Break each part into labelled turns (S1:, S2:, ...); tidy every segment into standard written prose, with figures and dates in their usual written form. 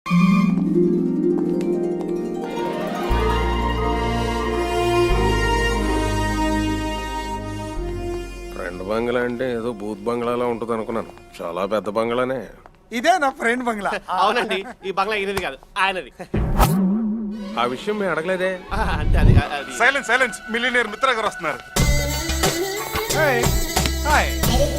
S1: Friend బంగ్లా అంటే ఏదో booth బంగ్లాలా ఉంటుంది అనుకున్నాను. చాలా పెద్ద బంగ్లానే.
S2: ఇదే నా ఫ్రెండ్ బంగ్లా.
S3: అవునండి, ఈ బంగ్లా ఈయనది కాదు, ఆయనది.
S1: ఆ విషయం మేము అడగలేదే.
S3: అంటే అది
S4: సైలెన్స్ మిలియనీర్ మిత్ర గారు వస్తున్నారు.
S2: హాయ్.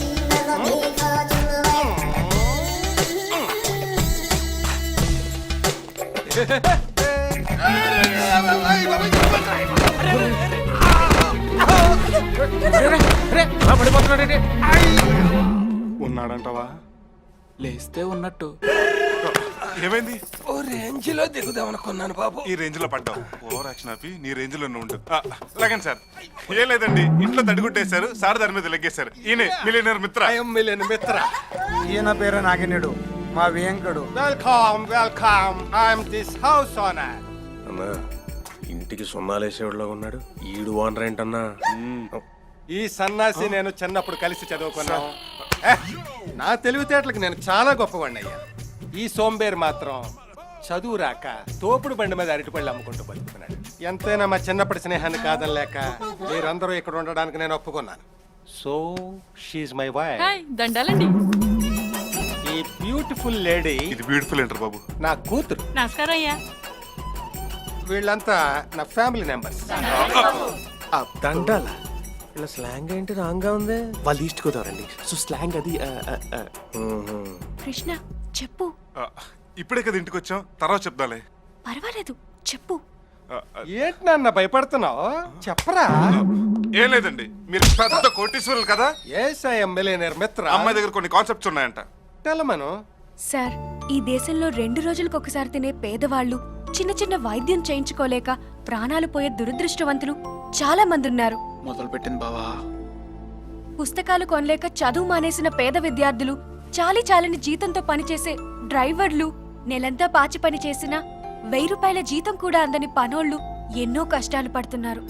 S4: ఉన్నాడంటావా?
S5: లేస్తే ఉన్నట్టు.
S4: ఏమైంది?
S1: ఓ రేంజ్ లో దిగుదామనుకున్నాను బాబు.
S4: ఈ రేంజ్ లో పడ్డావు. ఓవర్ యాక్షన్ ఆపి నీ రేంజ్ లో ఉండు. లాగండి సార్. ఏం లేదండి, ఇంట్లో తడిగుట్టేశారు, సార్ దాని మీద లెగ్గేశారు. ఈయనే మిలియనీర్ మిత్ర.
S3: మిలియన్ మిత్ర.
S2: ఈయన పేరు నాగినేడు, మా Venkadu.
S3: Welcome welcome, I'm this house owner.
S1: అన్నా ఇంటికి సున్నాలేసేవాడులో ఉన్నాడు. ఈడు ఓనర్ ఏంటన్నా?
S3: ఈ సన్నాసి నేను చిన్నప్పుడు కలిసి చదువుకున్నాను. నా తెలివితేటలకు నేను చాలా గొప్పవాడిని అయ్యా. ఈ సోంబేర్ మాత్రం చదువు రాక తోపుడు బండి మీద అరటిపళ్ళు అమ్ముకుంటూ బతుకుతున్నాడు. ఎంతైనా మా చిన్నప్పటి స్నేహాన్ని కాదనలేక మీరందరూ ఇక్కడ ఉండడానికి నేను ఒప్పుకున్నాను. So she's my wife.
S6: దండాలండి.
S3: ఈ బ్యూటిఫుల్ లేడీ
S4: ఇది బ్యూటిఫుల్ ఏంటర్ బాబు.
S3: నా కూతురు.
S6: నమస్కారం అయ్యా.
S3: వీళ్ళంతా నా ఫ్యామిలీ మెంబర్స్.
S1: దండాల ఇలా స్లాంగ్ ఏంటి రాంగ్ గా ఉంది?
S5: వాళ్ళు ఈస్ట్ గోదావరండి, సో స్లాంగ్ అది.
S6: కృష్ణ చెప్పు.
S4: ఇప్పుడే కదా ఇంటికి వచ్చాం, తర్వాత చెప్దాలే.
S6: పర్వాలేదు చెప్పు.
S3: ఏంటి నాన్న భయపడుతున్నావు? చెప్పరా.
S4: ఏం లేదండి, మీరు పెద్ద కోటీశ్వరులు కదా.
S3: ఎస్ ఐ యామ్ మిలియనీర్ మిత్ర.
S4: అమ్మాయి దగ్గర కొన్ని కాన్సెప్ట్స్ ఉన్నాయంట.
S3: తెలమను.
S6: సార్, ఈ దేశంలో 2 రోజులకు ఒకసారి తినే పేదవాళ్ళు, చిన్న చిన్న వైద్యం చేయించుకోలేక ప్రాణాలు పోయే దురదృష్టవంతులు చాలా మంది ఉన్నారు.
S5: మొదలు పెట్టింది బావా.
S6: పుస్తకాలు కొనలేక చదువు మానేసిన పేద విద్యార్థులు, చాలని జీతంతో పనిచేసే డ్రైవర్లు, నెలంతా పాచి పని చేసిన 1000 రూపాయల జీతం కూడా అందని పనోళ్ళు ఎన్నో కష్టాలు పడుతున్నారు.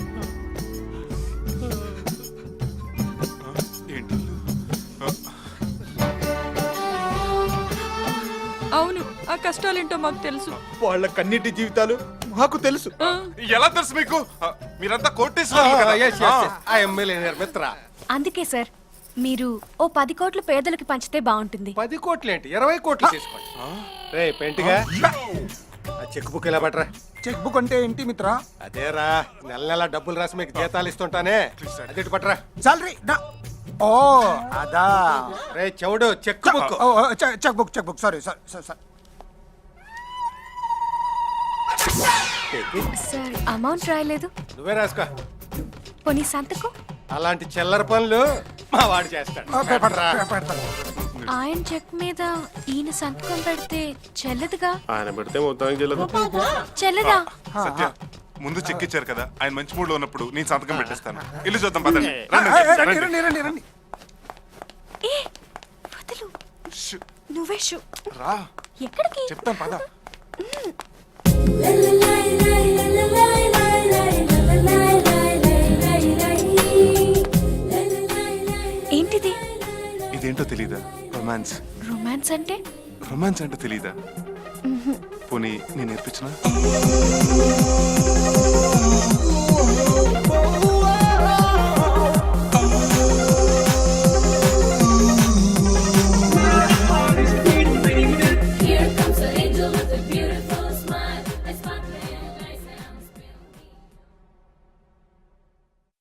S4: ఏంటి?
S6: అవును, ఆ కష్టాలేంటో మాకు తెలుసు.
S3: వాళ్ళ కన్నిటి జీవితాలు మాకు తెలుసు.
S4: ఎలా తెలుసు మీకు? మీరంతా కోటీశ్వరులు కదా.
S3: ఐ యామ్ మిలియనీర్ మిత్ర.
S6: అందుకే సార్, మీరు ఓ 10 కోట్లు పేదలకు పంచితే బాగుంటుంది.
S3: 10 కోట్లు ఏంటి, 20 కోట్లు తీసుకోండి. రే పెంటిగా, ఆ చెక్ బుక్ ఇలా పట్టరా.
S2: చెక్ బుక్ అంటే ఏంటి మిత్ర?
S3: అదేరా, నెల నెల డబ్బులు రాసి మీకు జీతాలు ఇస్తుంటానే, అది పట్టరా.
S2: సాలరీ. ఓ అదా.
S3: రే చెవుడు, cheque book.
S2: Cheque book sorry sir.
S6: Sir, amount రాయలేదు.
S3: నువ్వే రాసుకో.
S6: పోనీ సంతకం.
S3: అలాంటి చిల్లర పనులు మా వాడు చేస్తాడు.
S6: ఆయన చెక్ మీద ఈయన సంతకం పెడితే చెల్లదుగా.
S1: ఆయన పెడితే మొత్తానికి
S6: చెల్లదా?
S4: సత్య, ముందు చెక్ ఇచ్చారు కదా, ఆయన మంచి మూడ్ లో ఉన్నప్పుడు నేను సంతకం పెట్టేస్తాను. ఇల్లు చూద్దాం పదండి.
S2: రండి.
S6: ఏ వదులు, నువ్వే షూ.
S4: రా,
S6: ఎక్కడికి?
S4: చెప్తాం పద.
S6: ఏంటిది?
S4: ఇదేంటో తెలీదా? రొమాన్స్.
S6: రొమాన్స్ అంటే?
S4: రొమాన్స్ అంటే తెలీదా? పోనీ నేను నేర్పించిన.